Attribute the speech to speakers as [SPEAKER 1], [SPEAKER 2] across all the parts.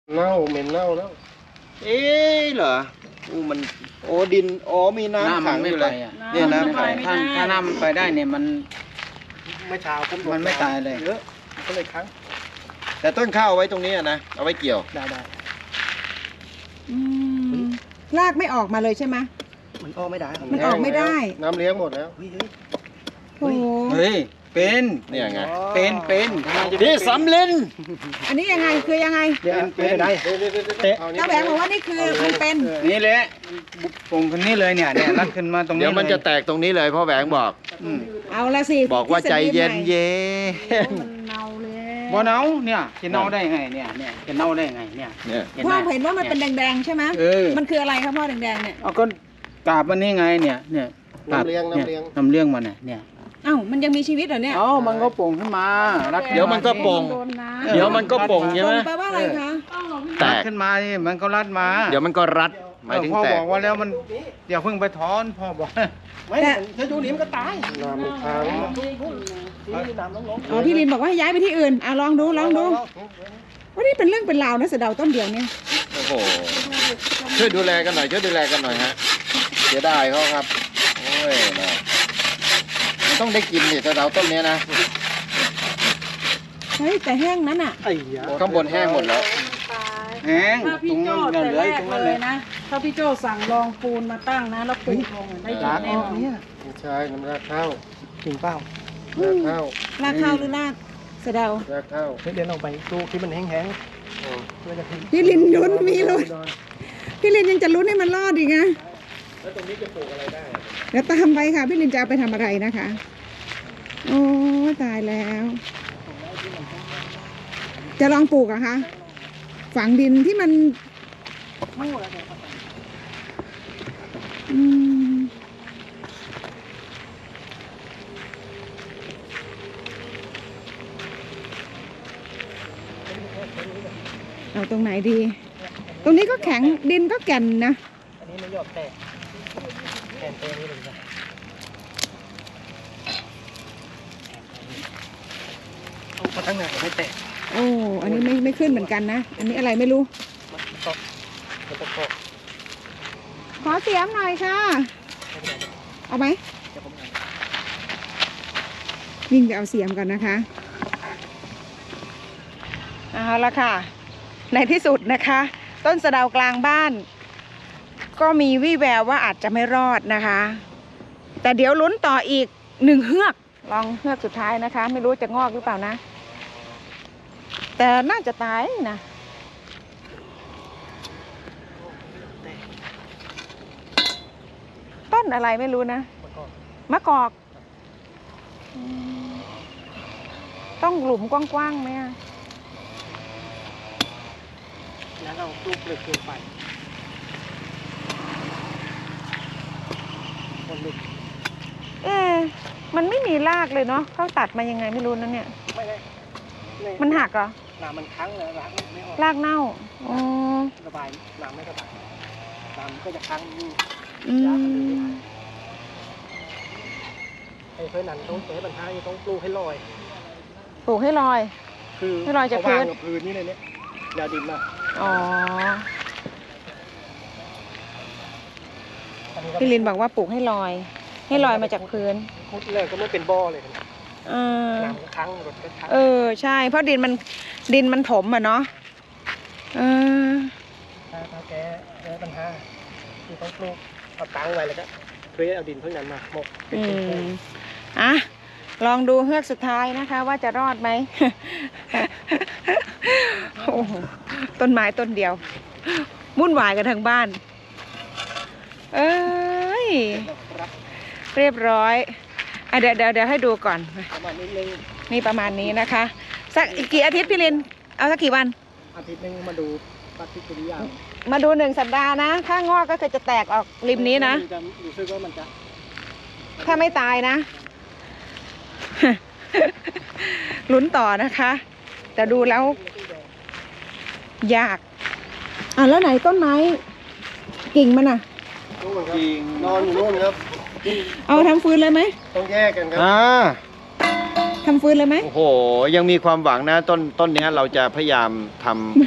[SPEAKER 1] เน่าเหม็นเน่าแล้ว
[SPEAKER 2] เหรอมันดินมีน้ำขังอยู่เลยเนี่ยน้ำขัง
[SPEAKER 3] ถ้าน้ำมันไปได้เนี่ยมัน
[SPEAKER 1] ไม่เช้า
[SPEAKER 3] มันไม่ตายเลย
[SPEAKER 1] เยอะก็เลยค้าง
[SPEAKER 2] แต่ต้นข้าวเอาไว้ตรงนี้นะเอาไว้เกี่ยว
[SPEAKER 1] ได้
[SPEAKER 4] รากไม่ออกมาเลยใช่ไหม
[SPEAKER 1] มันออกไม่ได้
[SPEAKER 4] มันออกไม่ได้
[SPEAKER 1] น้ำเลี้ยงหมดแล้ว
[SPEAKER 4] โอ้โห
[SPEAKER 3] เป็น
[SPEAKER 2] เนี่ยไง
[SPEAKER 3] เป็น
[SPEAKER 2] พี่สำลิน
[SPEAKER 4] อันนี้ยังไงคือยังไง
[SPEAKER 1] เป็นได้
[SPEAKER 4] เจ้าแบงค์บอกว่านี่คือมันเป็น
[SPEAKER 3] นี่แหละปงคนนี้เลยเนี่ยรัดขึ้นมาตรงนี้
[SPEAKER 2] เดี๋ยวมันจะแตกตรงนี้เลยพ่อแหวงบอก
[SPEAKER 4] เอาละสิ
[SPEAKER 2] บอกว่าใจเย็น
[SPEAKER 3] บ่เน่าเนี่ยจะเน่าได้ไงเนี่ยจะเน่าได้ไงเนี่ย
[SPEAKER 4] พ่อเห็นว่ามันเป็นแดงๆใช่ไหมมันคืออะไรครับพ่อแดงๆเนี่ย
[SPEAKER 3] เอาก็กาบมันนี่ไงเนี่ย
[SPEAKER 1] น้ำเลี้ย
[SPEAKER 3] งมันเนี่ย
[SPEAKER 4] มันยังมีชีวิตเหรอเนี่ย
[SPEAKER 3] มันก็ป่งขึ้นมา
[SPEAKER 2] เดี๋ยวมันก็ป่งใช่ไหม
[SPEAKER 4] แปลว่าอะไรคะ
[SPEAKER 3] แตกขึ้นมานี่มันก็รัดมา
[SPEAKER 2] เดี๋ยวมันก็รัดหมายถึงแตก
[SPEAKER 3] พ่อบอกว่าแล้วมันอย่าเพิ่งไปถอนพ่อบอก
[SPEAKER 1] ไม่ถ้าดูนี้มันก็ตายน้ำมันค้าง
[SPEAKER 4] พี่ลินบอกว่าให้ย้ายไปที่อื่นลองดูว่านี่เป็นเรื่องเป็นราวนะเสดาต้นเดียวเนี่ย
[SPEAKER 2] โอ้โหช่วยดูแลกันหน่อยฮะเสียดายเขาครับโอ้ยต้องได้กินนี่เสดาต้นนี้นะ
[SPEAKER 4] เฮ้ยแต่แห้งนั้นอ่ะ
[SPEAKER 2] ข้างบนแห้งหมดแล้ว
[SPEAKER 3] แห้ง
[SPEAKER 5] ถ้าพี่โจ้แต่แรกเลยนะถ้าพี่โจ้สั่งรองปูนมาตั้งนะแล้วปูลงได้ยินแน่นอน
[SPEAKER 1] ไม่ใช่น้ำรากข้าวจริงเปล่ารากข้าว
[SPEAKER 4] หรือรากเสดาร
[SPEAKER 1] ากข้าวเดี๋ยวลองไปดูที่มันแห้ง
[SPEAKER 4] พี่ลินลุ้นมีลุ้นพี่ลินยังจะลุ้นให้มันรอดอีกนะ
[SPEAKER 1] แล้วตรงนี้จะปลูกอะไรได้
[SPEAKER 4] เดี๋ยวตามไปค่ะพี่ลินจะเอาไปทำอะไรนะคะโอ้ตายแล้วจะลองปลูกอะคะฝังดินที่มันเอาตรงไหนดีตรงนี้ก็แข็งดินก็แก่นนะ
[SPEAKER 1] อันนี้มันหยอดแตกแตกนี้เลยจ้ะเอาไปทั้งไหนไม่แตก
[SPEAKER 4] โอ้อันนี้ไม่ขึ้นเหมือนกันนะอันนี้อะไรไม่รู้ขอเสียมหน่อยค่ะเอาไหมวิ่งไปเอาเสียมก่อนนะคะเอาละค่ะในที่สุดนะคะต้นสะเดากลางบ้านก็มีวี่แววว่าอาจจะไม่รอดนะคะแต่เดี๋ยวลุ้นต่ออีก1เฮือกลองเฮือกสุดท้ายนะคะไม่รู้จะงอกหรือเปล่านะแต่น่าจะตายนะต้นอะไรไม่รู้นะมะกอกต้องหลุมกว้างๆไหม
[SPEAKER 1] แล้วเราปลูกเปลือกเกินไป
[SPEAKER 4] มันไม่มีรากเลยเนาะเขาตัดมายังไงไม่รู้นะเนี่ยมันหักเหรอ
[SPEAKER 1] น้ำมันค้างเลยรากไม่ออก
[SPEAKER 4] รากเน่า
[SPEAKER 1] ระบายน้ำไม่ระบายน้ำก็จะค้างอยู่ไอ้เพื่อนนั้นต้องเสียปัญหาต้องปลูกให้ลอย
[SPEAKER 4] คือให้ลอยจากพื้น
[SPEAKER 1] นี่เลยเนี่ยยาดินมา
[SPEAKER 4] พี่ลินบอกว่าปลูกให้ลอยมาจากพื้น
[SPEAKER 1] พุดเลยก็ไม่เป็นบ่อเลยน้ำค้างรถก็ค้าง
[SPEAKER 4] ใช่เพราะดินมันถมอ่ะเนาะ
[SPEAKER 1] ถ้าแกปัญหาคือต้องปลูกเอาตั้งไว้แล้วก็เคยเอาดินเพิ่งนั้นมาหมก
[SPEAKER 4] ลองดูเฮือกสุดท้ายนะคะว่าจะรอดไหม โอ้โหต้นไม้ต้นเดียววุ่นวายกันทั้งบ้านเรียบร้อยเดี๋ยวให้ดูก่อนมีประมาณนี้นะคะสักอีกกี่อาทิตย์พี่ลินเอาสักกี่วัน
[SPEAKER 1] อาทิตย์นึงมาดูปฏิกิริยา
[SPEAKER 4] มาดู1 สัปดาห์นะถ้างอกก็คือจะแตกออกริมนี้นะ
[SPEAKER 1] รู้สึกว่ามันจะ
[SPEAKER 4] ถ้าไม่ตายนะ ลุ้นต่อนะคะแต่ดูแล้วยากแล้วไหนต้นไม้กิ่งมัน
[SPEAKER 1] กิ่งนอนอยู่นู่นครับ
[SPEAKER 4] เอาทำฟืนเลยไหม
[SPEAKER 1] ต้องแยกกันครับ
[SPEAKER 4] ทำฟืนเลยไหม
[SPEAKER 2] โอ้โหยังมีความหวังนะต้นนี้เราจะพยายามท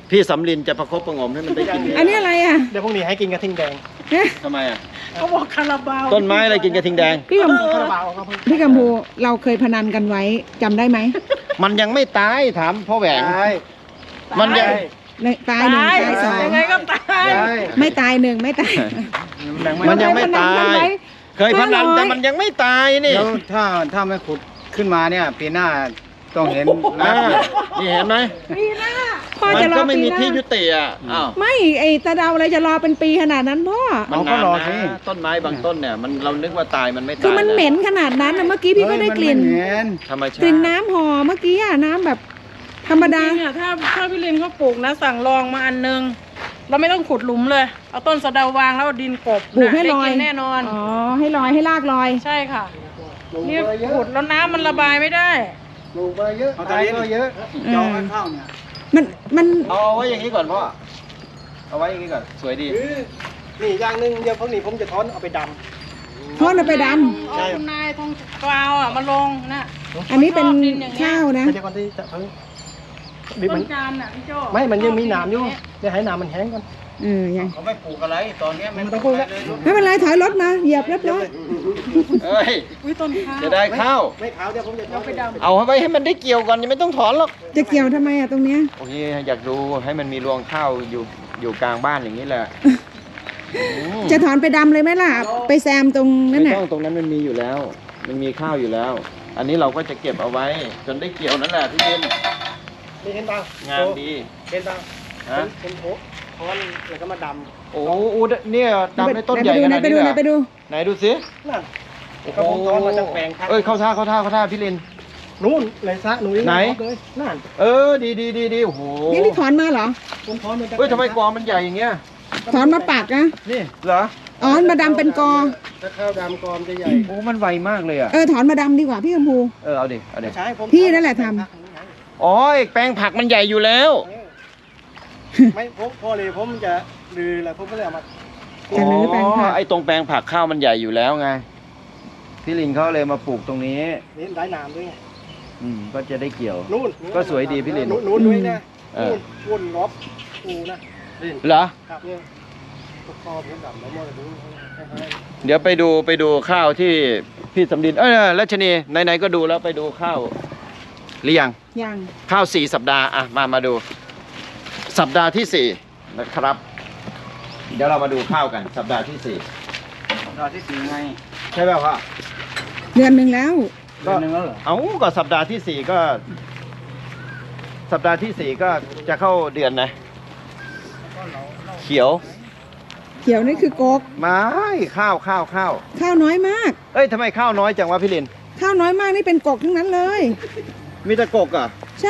[SPEAKER 2] พี่สำลินจะประคบประหงมให้มันได้กิน
[SPEAKER 4] อันนี้อะไรอ่ะ
[SPEAKER 1] เดี๋ยวพรุ่งนี้ให้กินกระทิงแดง
[SPEAKER 2] ทำไมอ่ะ
[SPEAKER 5] เขาบอกคาราบาว
[SPEAKER 2] ต้นไม้อะไรกินกระทิงแดง
[SPEAKER 4] พี่กำ
[SPEAKER 1] คาราบาวครับ
[SPEAKER 4] พี่กัมพูเราเคยพนันกันไว้จำได้ไหม
[SPEAKER 2] มันยังไม่ตายถามพ่อแหวง
[SPEAKER 1] ใช่
[SPEAKER 2] มันยัง
[SPEAKER 4] ตายหนึ่งตายสอง
[SPEAKER 5] ยังไงก็ตาย
[SPEAKER 1] ใช่
[SPEAKER 4] ไม่ตายหนึ่งไม่ตาย
[SPEAKER 2] มันยังไม่ตาย เคยพนัน
[SPEAKER 4] 500
[SPEAKER 2] แต่มันยังไม่ตายนี่
[SPEAKER 3] แล้วถ้าไม่ขุดขึ้นมาเนี่ยปีหน้าต้องเห็น
[SPEAKER 2] อ่านี่เห็นไหม
[SPEAKER 4] พ่อ
[SPEAKER 2] มั
[SPEAKER 4] จะ
[SPEAKER 2] น
[SPEAKER 4] รอ
[SPEAKER 2] ก็ไม่
[SPEAKER 4] ปี
[SPEAKER 2] มี
[SPEAKER 4] หน้า
[SPEAKER 2] ที่ยุติอ่ะอ้าว
[SPEAKER 4] ไม่ไอ้ตาเดาอะไรจะรอเป็นปีขนาดนั้นพ่อ
[SPEAKER 2] มันนานนะต้นไม้บางต้นเนี่ยมันเรานึกว่าตายมันไม่ตาย
[SPEAKER 4] คือมันเหม็นขนาดนั้นนะเมื่อกี้พี่ก็ได้กลิ่น
[SPEAKER 3] เห็น
[SPEAKER 2] ธรรมชาติ
[SPEAKER 4] กลิ่นน้ำหอเมื่อกี้อะน้ำแบบธรรมดา
[SPEAKER 5] จริงๆอะถ้าพี่ลินเขาปลูกนะสั่งลองมาอันนึง เราไม่ต้องขุดหลุมเลย เอาต้นสะเดาวางแล้วเอาดินกบ
[SPEAKER 4] ปลูกให้ลอย
[SPEAKER 5] ได้กินแน่นอน
[SPEAKER 4] อ๋อให้ลอยให้ลากลอย
[SPEAKER 5] ใช่ค่ะนี่ขุดแล้วน้ำมันระบายไม่ได้
[SPEAKER 1] ปลูกมาเยอะ
[SPEAKER 3] เอาตายก็เยอะ
[SPEAKER 4] จ
[SPEAKER 3] จ
[SPEAKER 4] อ
[SPEAKER 3] อง งข้าวเนี่ย
[SPEAKER 4] มัน
[SPEAKER 2] เอาไว้อย่างนี้ก่อนพ่อเอาไว้อย่างนี้ก่อนสวยดี
[SPEAKER 1] นี่อย่างหนึ่งเดี๋ยวพรุ่งนี้ผมจะถอนเอาไปด
[SPEAKER 4] ทอดเอาไปด
[SPEAKER 5] เอาคุณนายทองกวาวอ่ะมาลงนะ
[SPEAKER 4] ำอันนี้เป็นข้าว
[SPEAKER 1] ำ
[SPEAKER 4] นะ
[SPEAKER 1] ไม่ใช่ก่อนที่จะเพิ่งดิบ
[SPEAKER 5] ต้
[SPEAKER 1] มัน
[SPEAKER 5] นจานอ่ะพี่โจ้
[SPEAKER 1] ไม่มันยังมีหนามอยู่เดี๋ยวให้หนามมันแห้งก่อน
[SPEAKER 4] ยัง
[SPEAKER 3] เขาไม่ปลูกอะไรตอนเนี้ย
[SPEAKER 1] มันต้องปลูกแล้ว
[SPEAKER 4] ไม่เป็นไรถอยรถมาเหยียบเรียบร้อย
[SPEAKER 2] เอ้ย
[SPEAKER 5] อุ้ยต้นข้าว
[SPEAKER 2] จะได้ข้าว
[SPEAKER 1] ไม่ขาวเดี๋ยวผมจะถอน
[SPEAKER 5] ไปดำ
[SPEAKER 2] เอาไว้ให้มันได้เกี่ยวก่อนยังไม่ต้องถอนหรอก
[SPEAKER 4] จะเกี่ยวทำไมอะตรงเนี้ย
[SPEAKER 2] โอเคอยากดูให้มันมีรวงข้าวอยู่กลางบ้านอย่างนี้แหละ
[SPEAKER 4] จะถอนไปดำเลยไหมล่ะ ไปแซมตรงนั้น
[SPEAKER 2] ไม่
[SPEAKER 4] น่ะ
[SPEAKER 2] ต้องตรงนั้นมันมีอยู่แล้ว มันมีข้าวอยู่แล้ว อันนี้เราก็จะเก็บเอาไว้ จนได้เกี่ยวนั่นแหละพี่เย็น
[SPEAKER 1] นี่เห็นป่ะ
[SPEAKER 2] งามดี
[SPEAKER 1] เห็นป่ะ
[SPEAKER 2] ฮะ
[SPEAKER 1] เป็นโถถอนแล้วก็มาด
[SPEAKER 2] โอ้โหเนี่ยดำในต้นใหญ่ขนาด
[SPEAKER 4] ไป
[SPEAKER 2] นี้
[SPEAKER 4] ดู
[SPEAKER 2] เลย
[SPEAKER 4] ไหนไปดู
[SPEAKER 2] ไหนดูสิ
[SPEAKER 1] ำนั่น
[SPEAKER 2] โอ้โห
[SPEAKER 1] ก็ผมถอนมาจากแปลงพัก
[SPEAKER 2] เอ้ยเข้าท่าพี่ลิน
[SPEAKER 1] นู่นเลยซะหนู
[SPEAKER 2] ไหน
[SPEAKER 1] เลยนั่น
[SPEAKER 2] เออดีโอ้โห
[SPEAKER 4] นี่ถอนมาเหรอ
[SPEAKER 1] ผมถอนมาจาก
[SPEAKER 2] เฮ้ยทำไมกอมันใหญ่อย่างเงี้ย
[SPEAKER 4] ถอนมาปากนะ
[SPEAKER 2] นี่เหรอ
[SPEAKER 4] อ๋อมาดำเป็นกอ
[SPEAKER 1] ถ้าข้าวดำกอมจะใหญ่
[SPEAKER 2] โอ้มันไวมากเลยอ่ะ
[SPEAKER 4] ถอนมาดำดีกว่าพี่กัมพู
[SPEAKER 2] เอาดิ
[SPEAKER 1] ใช่ผม
[SPEAKER 4] พี่นั่นแหละท
[SPEAKER 2] อ๋อแปลงผักมันใหญ่อยู่แล้ว
[SPEAKER 1] ไม่ผมพอเลยผมจะลือแล้วผมก็เลยเอามา
[SPEAKER 4] จะรื้อแปลงผัก
[SPEAKER 2] ไอ้ตรงแปลงผักข้าวมันใหญ่อยู่แล้วไง พี่ลินเขาเลยมาปลูกตรงนี้
[SPEAKER 1] นี่ได้น้ำด้วยไง
[SPEAKER 2] ก็จะได้เกี่ยว
[SPEAKER 1] นู่น
[SPEAKER 2] ก็สวยดีพี่ลิน
[SPEAKER 1] นู่นด้วยนะ
[SPEAKER 2] เออ
[SPEAKER 1] นู่นวนรอบปูนะลิน
[SPEAKER 2] เหรอ
[SPEAKER 1] ครับเนี่ยตกคอผมดำแล้วมอดู
[SPEAKER 2] เดี๋ยวไปดูข้าวที่พี่สำลินรัชนีไหนๆก็ดูแล้วไปดูข้าวหรือยัง
[SPEAKER 4] ยัง
[SPEAKER 2] ข้าว4 สัปดาห์อ่ะมาดู สัปดาห์ที่ 4 นะครับ เดี๋ยวเรามาดูข้าวกัน สัปดาห์ที่
[SPEAKER 3] รอที่สี่ไง
[SPEAKER 2] 4 ใช่ไหมพ่อ
[SPEAKER 4] เดือนหนึ่งแล้ว
[SPEAKER 3] เดือนหนึงแล้วเหรอ
[SPEAKER 2] เอาก็สัปดาห์ที่ 4 ก็ สัปดาห์ที่ 4 ก็จะเข้าเดือนนะเขียว
[SPEAKER 4] เขียวนี่คือโกก
[SPEAKER 2] ไม่ข้าว
[SPEAKER 4] ข้าวน้อยมาก
[SPEAKER 2] เอ้ยทำไมข้าวน้อยจังวะพี่ลิน
[SPEAKER 4] ข้าวน้อยมากนี่เป็นกกทั้งนั้นเลย
[SPEAKER 2] มีแต่กกอ่ะ
[SPEAKER 4] ใช่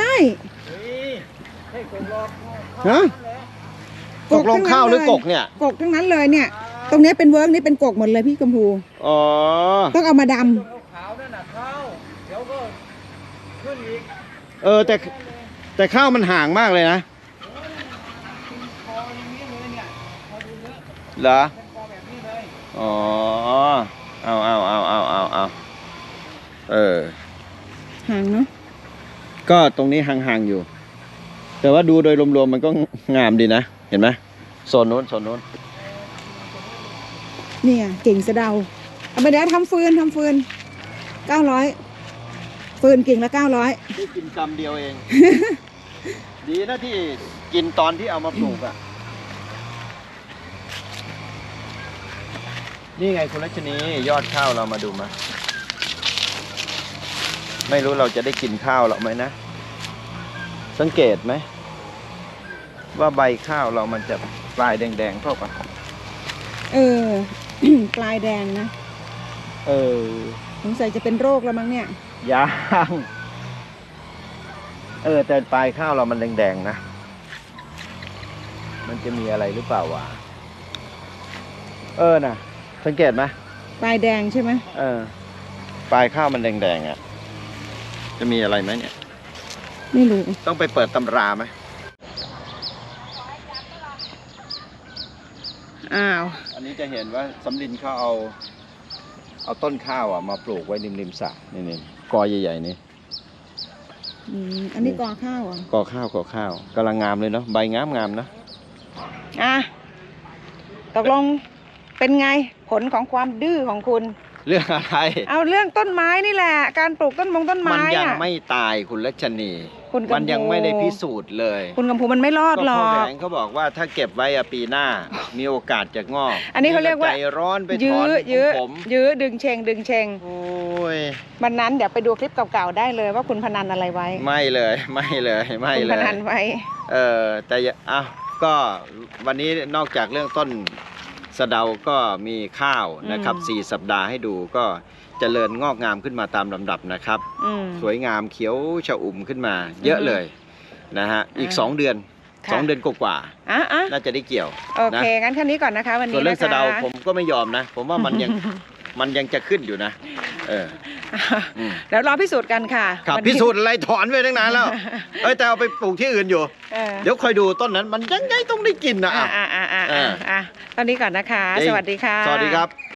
[SPEAKER 2] ฮะตกลงข้าวหรือกกเนี่ย
[SPEAKER 4] กกทั้งนั้นเลยเนี่ย ตรงเนี้ยเป็นเวิร์กนี่เป็นกกหมดเลยพี่กัมพู
[SPEAKER 2] อ๋อ
[SPEAKER 4] ต้องเอามาด
[SPEAKER 2] แต่ข้าวมันห่างมากเลยนะเหรออ๋อเอา
[SPEAKER 4] ห่างเนาะ
[SPEAKER 2] ก็ตรงนี้ห่างๆอยู่ แต่ว่าดูโดยรวมๆมันก็งามดีนะ เห็นไหมโซนนู้น
[SPEAKER 4] เนี่ยเก่งสะเดาเอาไปเดี๋ยวทำฟืน900ฟืนกิ่งละ900
[SPEAKER 2] ได้กินกำเดียวเอง ดีนะที่กินตอนที่เอามาปลูกอ่ะ นี่ไงคุณรัชนียอดข้าวเรามาดูมา ไม่รู้เราจะได้กินข้าวหรอกไหมนะ สังเกตไหม ว่าใบข้าวเรามันจะปลายแดงๆเข้ากัน
[SPEAKER 4] ปลายแดงนะ สงสัยจะเป็นโรคแล้วมั้งเนี่ย
[SPEAKER 2] ยางแต่ปลายข้าวเรามันแดงๆนะ มันจะมีอะไรหรือเปล่าวะน่ะ สังเกตไหม
[SPEAKER 4] ปลายแดงใช่ไหม
[SPEAKER 2] ปลายข้าวมันแดงๆอ่ะ จะมีอะไรไหมเนี่ย
[SPEAKER 4] ไม่รู้
[SPEAKER 2] ต้องไปเปิดตำราไหม
[SPEAKER 4] อ้าว
[SPEAKER 2] อันนี้จะเห็นว่าสำลินเขาเอาต้นข้าวอ่ะมาปลูกไว้ริมสระนี่กอใหญ่ๆนี่
[SPEAKER 4] อันนี้กอข้าวเหรอ่ะ
[SPEAKER 2] ก่อข้าวกำลังงามเลยเนาะใบงามนะ
[SPEAKER 4] อ่ะตกลงเป็นไงผลของความดื้อของคุณ
[SPEAKER 2] เรื่องอะไร
[SPEAKER 4] เอาเรื่องต้นไม้นี่แหละ การปลูกต้นมงต้น
[SPEAKER 2] มั
[SPEAKER 4] ไม้
[SPEAKER 2] ยัง
[SPEAKER 4] อ่ะ
[SPEAKER 2] ไม่ตายคุณรัชนี
[SPEAKER 4] คุณกำพู
[SPEAKER 2] มันยังไม่ได้พิสูจน์เลย
[SPEAKER 4] คุณกำพูมันไม่รอด
[SPEAKER 2] ก็
[SPEAKER 4] หร
[SPEAKER 2] พ่
[SPEAKER 4] อ
[SPEAKER 2] อแหว
[SPEAKER 4] ก
[SPEAKER 2] งเขาบอกว่าถ้าเก็บไว้อะปีหน้า มีโอกาสจะงอก
[SPEAKER 4] อันนี้เขาเรียกว่า
[SPEAKER 2] ใจร้อนไปถ
[SPEAKER 4] ยื้
[SPEAKER 2] อ
[SPEAKER 4] อน ยื้อ
[SPEAKER 2] ผม
[SPEAKER 4] ยื้อดึงเชงดึงเชง
[SPEAKER 2] โอ้ย
[SPEAKER 4] วันนั้นเดี๋ยวไปดูคลิปเก่าๆได้เลยว่าคุณพนันอะไรไว้
[SPEAKER 2] ไม่เลยไม่เลย
[SPEAKER 4] คุณพนันไว้
[SPEAKER 2] แต่อ้าวก็วันนี้นอกจากเรื่องต้นสะเดาก็มีข้าวนะครับ 4 สัปดาห์ให้ดูก็เจริญงอกงามขึ้นมาตามลำดับนะครับ สวยงามเขียวชอุ่มขึ้นมา เยอะเลยนะฮะอีก 2 เดือน
[SPEAKER 4] ค่ะ
[SPEAKER 2] 2 เดือนกว่าๆ
[SPEAKER 4] อ่ะ
[SPEAKER 2] น่าจะได้เกี่ยว
[SPEAKER 4] โอเค งั้นแค่นี้ก่อนนะคะ วัน
[SPEAKER 2] ส่ว
[SPEAKER 4] นี้
[SPEAKER 2] นเรื่อง
[SPEAKER 4] นะคะ
[SPEAKER 2] สะเดาผมก็ไม่ยอมนะ ผมว่ามันยัง มันยังจะขึ้นอยู่นะอืม
[SPEAKER 4] เดี๋ยวรอพิสูจน์กันค่ะ
[SPEAKER 2] ครับ
[SPEAKER 4] วัน
[SPEAKER 2] พิ
[SPEAKER 4] นี้
[SPEAKER 2] สูจน์อะไรถอนไปตั้งนานแล้ว แต่เอาไปปลูกที่อื่นอยู่
[SPEAKER 4] เออ
[SPEAKER 2] เดี๋ยวคอยดูต้นนั้นมันยังไงต้องได้กินนะ
[SPEAKER 4] อ่ะตอนนี้ก่อนนะคะ
[SPEAKER 2] จริง
[SPEAKER 4] สวัสดีค่ะ
[SPEAKER 2] สวัสดีครับ